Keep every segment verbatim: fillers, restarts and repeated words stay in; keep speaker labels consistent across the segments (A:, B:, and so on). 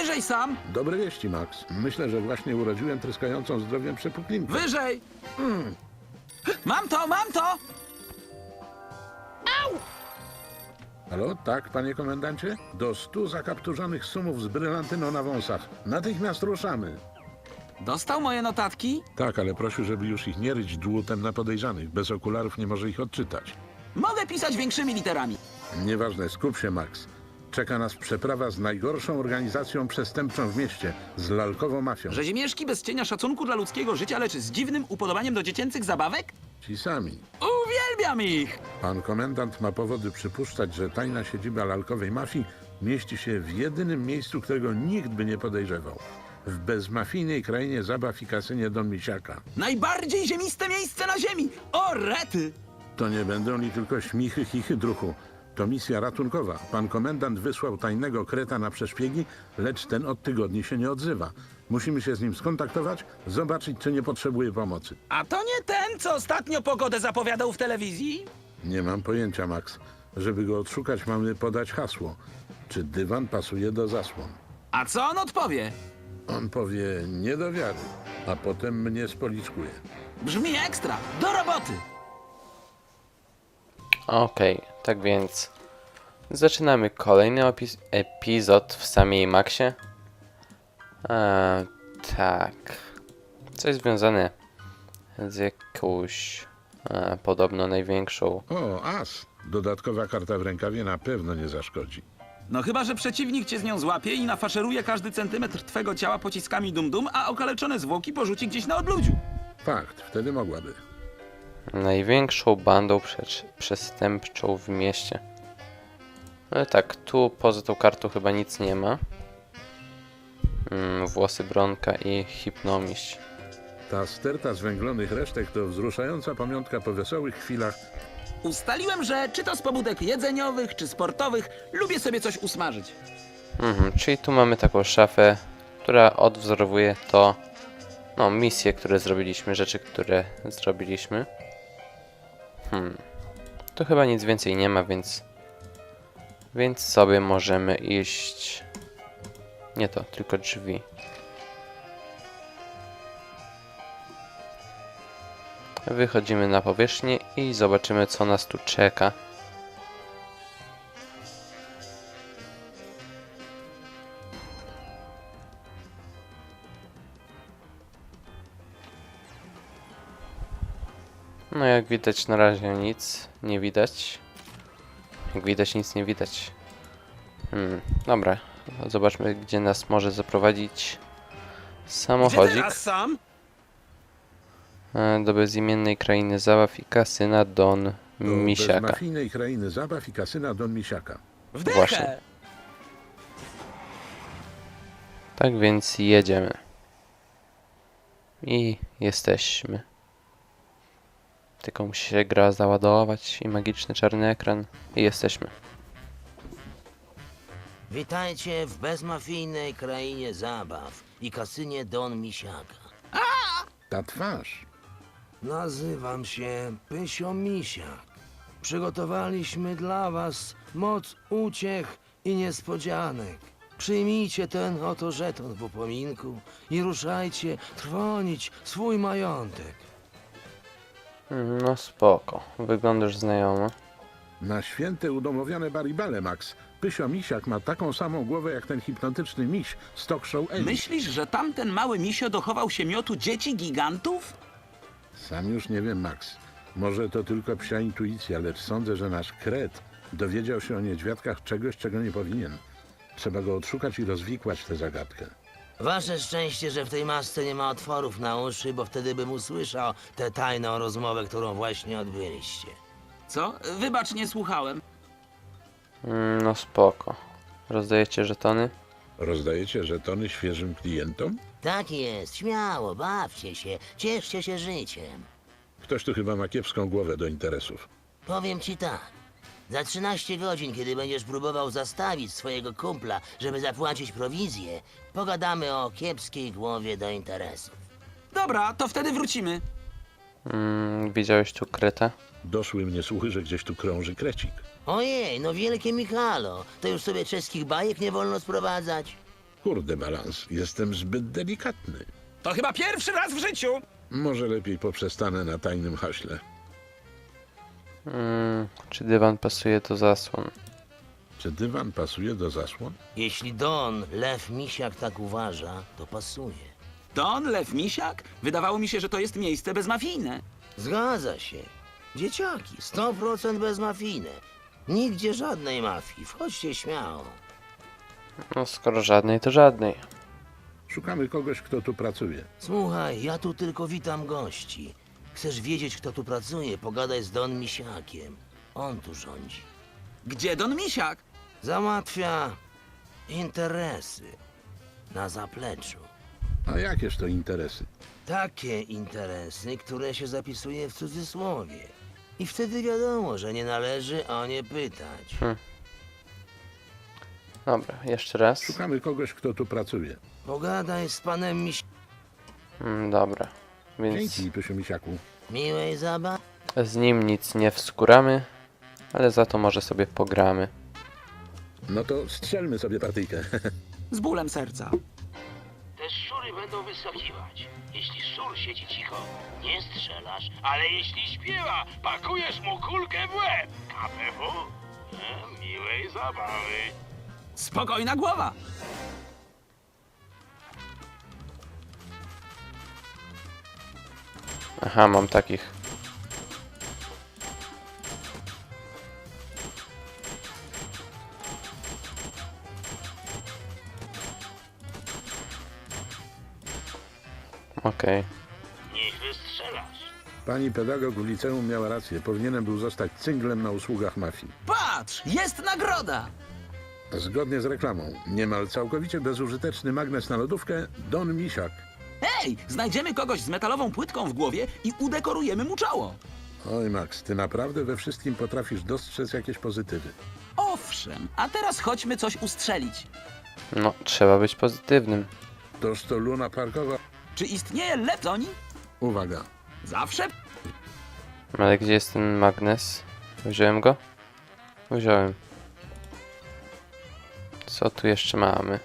A: Wyżej sam!
B: Dobre wieści, Max. Myślę, że właśnie urodziłem tryskającą zdrowiem przepuklinkę.
A: Wyżej! Mam to, mam to!
B: Halo? Tak, panie komendancie? Do stu zakapturzonych sumów z brylantyną na wąsach. Natychmiast ruszamy.
A: Dostał moje notatki?
B: Tak, ale prosił, żeby już ich nie ryć dłutem na podejrzanych. Bez okularów nie może ich odczytać.
A: Mogę pisać większymi literami.
B: Nieważne, skup się, Max. Czeka nas przeprawa z najgorszą organizacją przestępczą w mieście, z lalkową mafią.
A: Rzezimieszki bez cienia szacunku dla ludzkiego życia, lecz z dziwnym upodobaniem do dziecięcych zabawek?
B: Ci sami.
A: Uwielbiam ich!
B: Pan komendant ma powody przypuszczać, że tajna siedziba lalkowej mafii mieści się w jedynym miejscu, którego nikt by nie podejrzewał. W bezmafijnej krainie zabaw i kasynie Don Misiaka.
A: Najbardziej ziemiste miejsce na ziemi! O, rety!
B: To nie będą li tylko śmichy, chichy, druchu. To misja ratunkowa. Pan komendant wysłał tajnego kreta na przeszpiegi, lecz ten od tygodni się nie odzywa. Musimy się z nim skontaktować, zobaczyć, czy nie potrzebuje pomocy.
A: A to nie ten, co ostatnio pogodę zapowiadał w telewizji?
B: Nie mam pojęcia, Max. Żeby go odszukać, mamy podać hasło. Czy dywan pasuje do zasłon?
A: A co on odpowie?
B: On powie nie do wiary, a potem mnie spoliczkuje.
A: Brzmi ekstra! Do roboty!
C: Okej, tak więc zaczynamy kolejny opis- epizod w samej Maxie. Eee, tak. Coś związane z jakąś e, podobno największą.
B: O, as! Dodatkowa karta w rękawie na pewno nie zaszkodzi.
A: No chyba, że przeciwnik cię z nią złapie i nafaszeruje każdy centymetr twego ciała pociskami dum-dum, a okaleczone zwłoki porzuci gdzieś na odludziu.
B: Fakt, wtedy mogłaby.
C: Największą bandą prze- przestępczą w mieście. Ale tak, tu poza tą kartą chyba nic nie ma. Mm, włosy Bronka i hipnomiść.
B: Ta sterta zwęglonych resztek to wzruszająca pamiątka po wesołych chwilach.
A: Ustaliłem, że czy to z pobudek jedzeniowych, czy sportowych, lubię sobie coś usmażyć.
C: Mhm, czyli tu mamy taką szafę, która odwzorowuje to, no, misje, które zrobiliśmy, rzeczy, które zrobiliśmy. Hmm. Tu chyba nic więcej nie ma, więc więc sobie możemy iść. Nie to, tylko drzwi. Wychodzimy na powierzchnię i zobaczymy, co nas tu czeka. No jak widać na razie nic nie widać. Jak widać nic nie widać. Hmm, dobra. Zobaczmy, gdzie nas może zaprowadzić
A: Gdzie
C: samochodzik.
A: teraz sam?
C: E, Do bezimiennej krainy zabaw i kasyna Don
B: Do
C: Misiaka.
B: bezmafijnej krainy zabaw i kasyna Don Misiaka.
A: Wdechę!
C: Właśnie. Tak więc jedziemy. I jesteśmy. Tylko musi się gra załadować i magiczny czarny ekran. I jesteśmy.
D: Witajcie w bezmafijnej krainie zabaw i kasynie Don Misiaka.
B: Ta twarz.
D: Nazywam się Pysio Misiak. Przygotowaliśmy dla was moc uciech i niespodzianek. Przyjmijcie ten oto żeton w upominku i ruszajcie trwonić swój majątek.
C: No spoko. Wyglądasz znajomo.
B: Na święte udomowione baribale, Max. Pysio Misiak ma taką samą głowę jak ten hipnotyczny miś z talk show Ellie.
A: Myślisz, że tamten mały misio dochował się miotu dzieci gigantów?
B: Sam już nie wiem, Max. Może to tylko psia intuicja, lecz sądzę, że nasz kret dowiedział się o niedźwiadkach czegoś, czego nie powinien. Trzeba go odszukać i rozwikłać tę zagadkę.
D: Wasze szczęście, że w tej masce nie ma otworów na uszy, bo wtedy bym usłyszał tę tajną rozmowę, którą właśnie odbyliście.
A: Co? Wybacz, nie słuchałem.
C: Mm, No spoko. Rozdajecie żetony?
B: Rozdajecie żetony świeżym klientom?
D: Tak jest, śmiało, bawcie się, cieszcie się życiem.
B: Ktoś tu chyba ma kiepską głowę do interesów.
D: Powiem ci tak. Za trzynaście godzin, kiedy będziesz próbował zastawić swojego kumpla, żeby zapłacić prowizję, pogadamy o kiepskiej głowie do interesów.
A: Dobra, to wtedy wrócimy.
C: Mm, widziałeś tu kreta?
B: Doszły mnie słuchy, że gdzieś tu krąży krecik.
D: Ojej, no wielkie Michalo, to już sobie czeskich bajek nie wolno sprowadzać.
B: Kurde, balans, jestem zbyt delikatny.
A: To chyba pierwszy raz w życiu.
B: Może lepiej poprzestanę na tajnym haśle.
C: Mm, czy dywan pasuje do zasłon?
B: Czy dywan pasuje do zasłon?
D: Jeśli Don, Lew Misiak tak uważa, to pasuje.
A: Don, Lew Misiak? Wydawało mi się, że to jest miejsce bezmafijne.
D: Zgadza się. Dzieciaki, sto procent bezmafijne. Nigdzie żadnej mafii. Wchodźcie śmiało.
C: No skoro żadnej, to żadnej.
B: Szukamy kogoś, kto tu pracuje.
D: Słuchaj, ja tu tylko witam gości. Chcesz wiedzieć, kto tu pracuje? Pogadaj z Don Misiakiem. On tu rządzi.
A: Gdzie Don Misiak?
D: Załatwia interesy na zapleczu.
B: A jakież to interesy?
D: Takie interesy, które się zapisuje w cudzysłowie. I wtedy wiadomo, że nie należy o nie pytać.
C: Dobra, jeszcze raz.
B: Szukamy kogoś, kto tu pracuje.
D: Pogadaj z panem Miś...
C: Mm, dobra, więc
B: Dzięki, Pysiu Misiaku.
D: Miłej zabawy.
C: z nim nic nie wskóramy, ale za to może sobie pogramy.
B: No to strzelmy sobie partyjkę.
A: Z bólem serca.
E: Te szczury będą wyskakiwać. Jeśli szczur siedzi cicho, nie strzelasz, ale jeśli śpiewa, pakujesz mu kulkę w łeb. K P W? E, miłej zabawy.
A: Spokojna głowa.
C: Aha, mam takich. Okej.
E: Niech wystrzelasz.
B: Pani pedagog w liceum miała rację. Powinienem był zostać cynglem na usługach mafii.
A: Patrz, jest nagroda.
B: Zgodnie z reklamą, niemal całkowicie bezużyteczny magnes na lodówkę Don Misiak.
A: Hej, znajdziemy kogoś z metalową płytką w głowie i udekorujemy mu czoło.
B: Oj, Max, ty naprawdę we wszystkim potrafisz dostrzec jakieś pozytywy.
A: Owszem, a teraz chodźmy coś ustrzelić.
C: No, trzeba być pozytywnym.
B: Toż to Luna Parkowa.
A: Czy istnieje leptoni?
B: Uwaga,
A: Zawsze.
C: Ale gdzie jest ten magnes? Wziąłem go? Wziąłem. Co tu jeszcze mamy?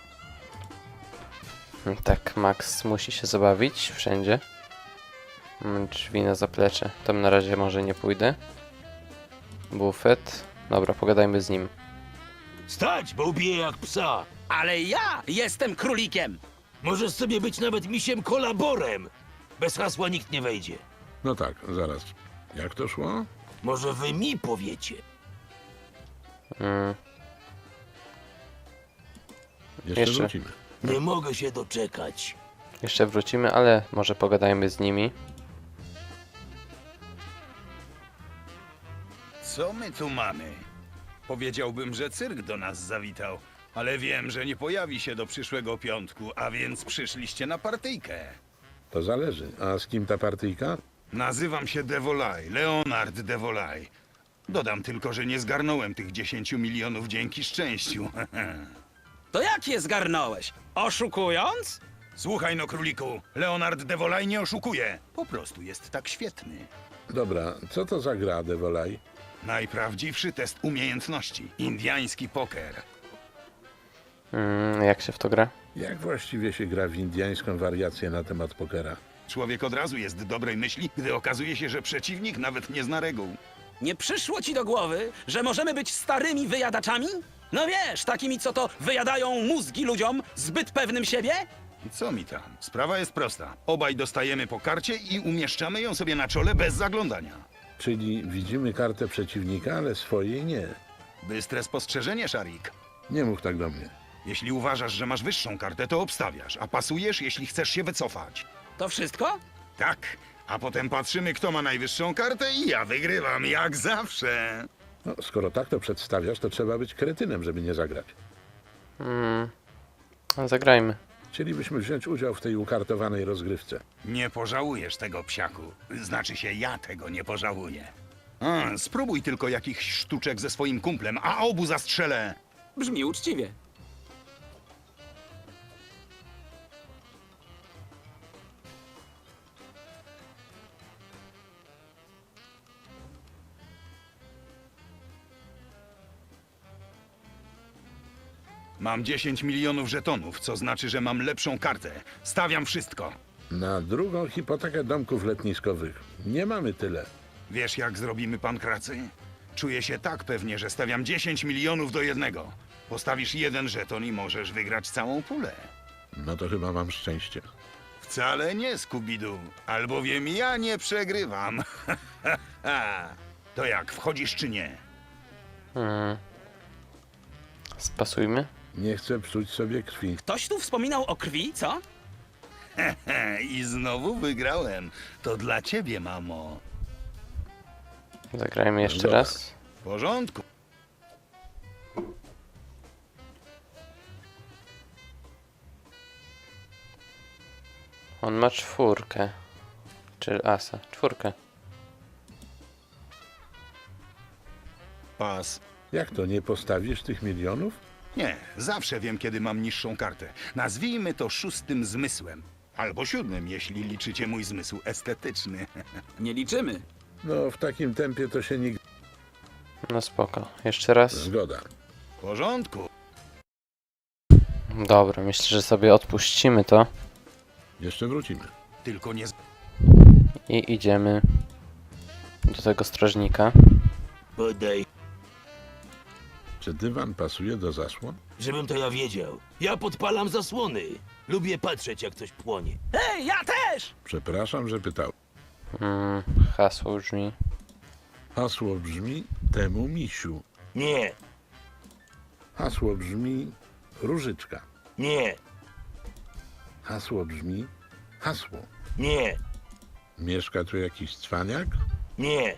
C: Tak, Max musi się zabawić wszędzie. Mamy drzwi na zaplecze. Tam na razie może nie pójdę. Bufet. Dobra, pogadajmy z nim.
E: Stać, bo ubiję jak psa.
A: Ale ja jestem królikiem.
E: Możesz sobie być nawet misiem kolaborem. Bez hasła nikt nie wejdzie.
B: no tak, zaraz. Jak to szło?
E: Może wy mi powiecie.
C: Mm,
B: Jeszcze,
C: Jeszcze.
B: wrócimy.
E: Nie mogę się doczekać.
C: jeszcze wrócimy, ale może pogadajmy z nimi.
F: Co my tu mamy? Powiedziałbym, że cyrk do nas zawitał, ale wiem, że nie pojawi się do przyszłego piątku, a więc przyszliście na partyjkę.
B: To zależy. A z kim ta partyjka?
F: Nazywam się Devolay, Leonard Devolay. Dodam tylko, że nie zgarnąłem tych dziesięciu milionów dzięki szczęściu.
A: To jak je zgarnąłeś? Oszukując?
F: Słuchaj no, króliku, Leonard Devolay nie oszukuje. Po prostu jest tak świetny.
B: Dobra, co to za gra, Devolay?
F: Najprawdziwszy test umiejętności. Indiański poker.
C: Mm, jak się w to gra?
B: Jak właściwie się gra w indyjską wariację na temat pokera?
F: Człowiek od razu jest dobrej myśli, gdy okazuje się, że przeciwnik nawet nie zna reguł.
A: Nie przyszło ci do głowy, że możemy być starymi wyjadaczami? No wiesz, takimi, co to wyjadają mózgi ludziom, zbyt pewnym siebie?
F: Co mi tam? Sprawa jest prosta. Obaj dostajemy po karcie i umieszczamy ją sobie na czole bez zaglądania.
B: Czyli widzimy kartę przeciwnika, ale swojej nie.
F: Bystre spostrzeżenie, Szarik.
B: Nie mów tak do mnie.
F: Jeśli uważasz, że masz wyższą kartę, to obstawiasz, a pasujesz, jeśli chcesz się wycofać.
A: To wszystko?
F: Tak, a potem patrzymy, kto ma najwyższą kartę i ja wygrywam, jak zawsze.
B: No, skoro tak to przedstawiasz, to trzeba być kretynem, żeby nie zagrać.
C: Mm, zagrajmy.
B: Chcielibyśmy wziąć udział w tej ukartowanej rozgrywce.
F: Nie pożałujesz tego, psiaku. Znaczy się, ja tego nie pożałuję. A, spróbuj tylko jakichś sztuczek ze swoim kumplem, a obu zastrzelę.
A: Brzmi uczciwie.
F: Mam dziesięć milionów żetonów, co znaczy, że mam lepszą kartę. Stawiam wszystko.
B: Na drugą hipotekę domków letniskowych. Nie mamy tyle.
F: Wiesz, jak zrobimy pankracy? Czuję się tak pewnie, że stawiam dziesięć milionów do jednego. Postawisz jeden żeton i możesz wygrać całą pulę.
B: No to chyba mam szczęście.
F: Wcale nie, Skubidu, albowiem ja nie przegrywam. To jak, wchodzisz czy nie?
C: Hmm. Spasujmy.
B: Nie chcę psuć sobie krwi.
A: Ktoś tu wspominał o krwi, co?
F: I znowu wygrałem. To dla ciebie, mamo.
C: Zagrajmy jeszcze
B: Dobra.
C: raz.
F: W porządku.
C: On ma czwórkę. Czy asa? Czwórkę.
F: Pas.
B: Jak to, nie postawisz tych milionów?
F: Nie, zawsze wiem, kiedy mam niższą kartę. Nazwijmy to szóstym zmysłem. Albo siódmym, jeśli liczycie mój zmysł estetyczny.
A: Nie liczymy.
B: No, w takim tempie to się nigdy...
C: No spoko. Jeszcze raz.
B: Zgoda.
F: W porządku.
C: Dobra, myślę, że sobie odpuścimy to.
B: Jeszcze wrócimy.
F: Tylko nie... z-
C: I idziemy do tego strażnika.
D: Podaj,
B: Czy dywan pasuje do zasłon?
D: żebym to ja wiedział. Ja podpalam zasłony. Lubię patrzeć, jak coś płonie.
A: Ej, ja też!
B: Przepraszam, że pytał.
C: Mm, hasło brzmi.
B: Hasło brzmi temu misiu.
D: Nie,
B: Hasło brzmi różyczka.
D: nie,
B: Hasło brzmi hasło.
D: nie,
B: Mieszka tu jakiś cwaniak?
D: nie.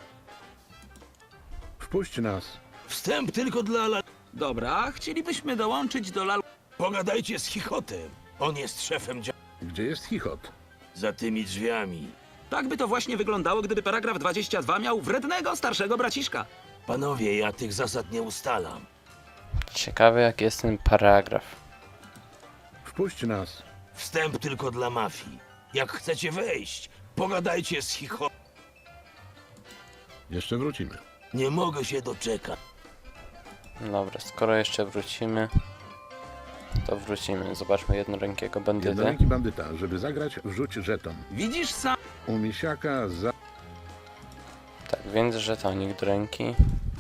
B: Wpuść nas.
D: Wstęp tylko dla la...
A: Dobra, chcielibyśmy dołączyć do lal...
D: Pogadajcie z Chichotem. On jest szefem dzia...
B: Gdzie jest chichot?
D: za tymi drzwiami.
A: Tak by to właśnie wyglądało, gdyby paragraf dwadzieścia dwa miał wrednego starszego braciszka.
D: Panowie, ja tych zasad nie ustalam.
C: Ciekawe jaki jest ten paragraf.
B: Wpuść nas.
D: Wstęp tylko dla mafii. Jak chcecie wejść, pogadajcie z Chichotem.
B: Jeszcze wrócimy.
D: Nie mogę się doczekać.
C: Dobra, skoro jeszcze wrócimy, to wrócimy. Zobaczmy jednorękiego bandytę.
B: Jednoręki bandyta. Żeby zagrać, wrzuć żeton.
A: Widzisz sam?
B: U misiaka za...
C: Tak, więc żetonik do ręki.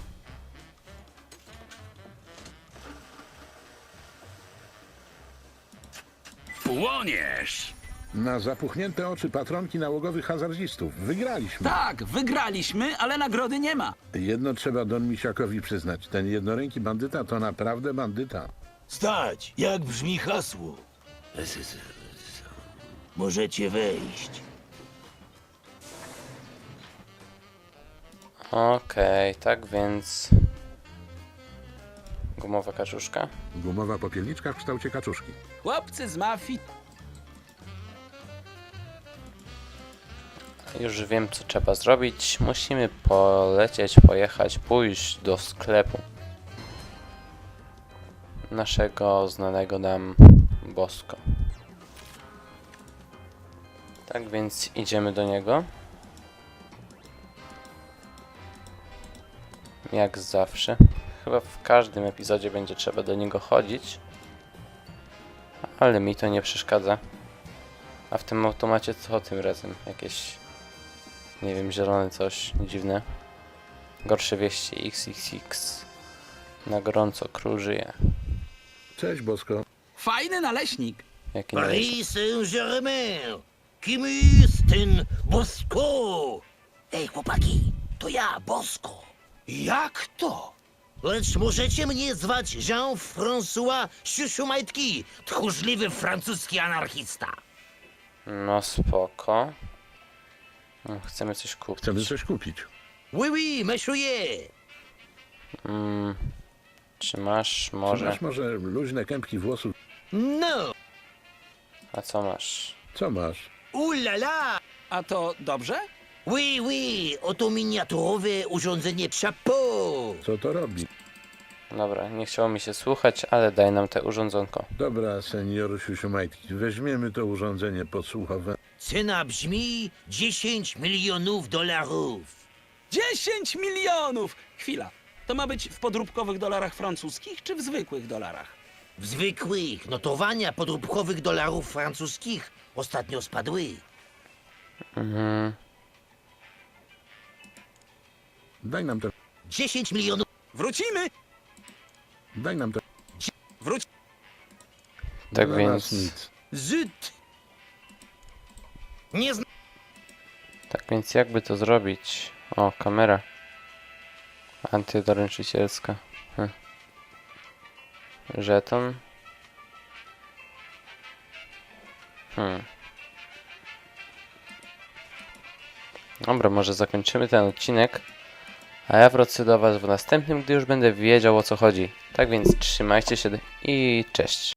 A: Płoniesz!
B: Na zapuchnięte oczy patronki nałogowych hazardzistów. Wygraliśmy.
A: Tak, wygraliśmy, ale nagrody nie ma.
B: Jedno trzeba Don Misiakowi przyznać. Ten jednoręki bandyta to naprawdę bandyta.
D: Stać! Jak brzmi hasło? Możecie wejść.
C: Okej, tak więc... Gumowa kaczuszka.
B: Gumowa popielniczka w kształcie kaczuszki.
A: Chłopcy z mafii.
C: Już wiem co trzeba zrobić. Musimy polecieć, pojechać, pójść do sklepu naszego znanego nam Bosko. Tak więc idziemy do niego. Jak zawsze. Chyba w każdym epizodzie będzie trzeba do niego chodzić. Ale mi to nie przeszkadza. A w tym automacie co tym razem? Jakieś... Nie wiem, zielone coś dziwne. Gorsze wieści iks iks iks. Na gorąco król żyje.
B: Cześć, Bosko.
A: Fajny naleśnik.
C: Jaki należy?
D: Paris Saint-Germain! Kim jest ten Bosko? Ej, chłopaki, to ja, Bosko. Jak to? Lecz możecie mnie zwać Jean-François Siusiumajtki, tchórzliwy francuski anarchista.
C: No spoko. No, chcemy coś kupić.
B: Chcemy coś kupić.
D: Oui, oui, monsieur.
C: Mm, czy masz
B: Czy
C: może...
B: masz może luźne kępki włosów?
D: No,
C: A co masz?
B: Co masz?
D: ulala.
A: A to dobrze?
D: Oui, oui, oto miniaturowe urządzenie chapeau.
B: Co to robi?
C: Dobra, nie chciało mi się słuchać, ale daj nam te urządzonko.
B: Dobra, senior Siusiumajtki. Weźmiemy to urządzenie podsłuchowe.
D: Cena brzmi dziesięć milionów dolarów.
A: dziesięć milionów! Chwila. To ma być w podróbkowych dolarach francuskich czy w zwykłych dolarach?
D: W zwykłych notowania podróbkowych dolarów francuskich ostatnio spadły.
C: Mhm.
B: Daj nam te...
D: dziesięć milionów.
A: Wrócimy!
B: Daj nam te...
A: Wróć!
C: Tak
B: Dla
C: więc...
B: nas nic.
A: Żyd!
D: Nie zna...
C: Tak więc jakby to zrobić? O, kamera. Antydoręczycielska. Hm. Żeton. Hmm. Dobra, może zakończymy ten odcinek. A ja wrócę do Was w następnym, gdy już będę wiedział, o co chodzi. Tak więc trzymajcie się i cześć.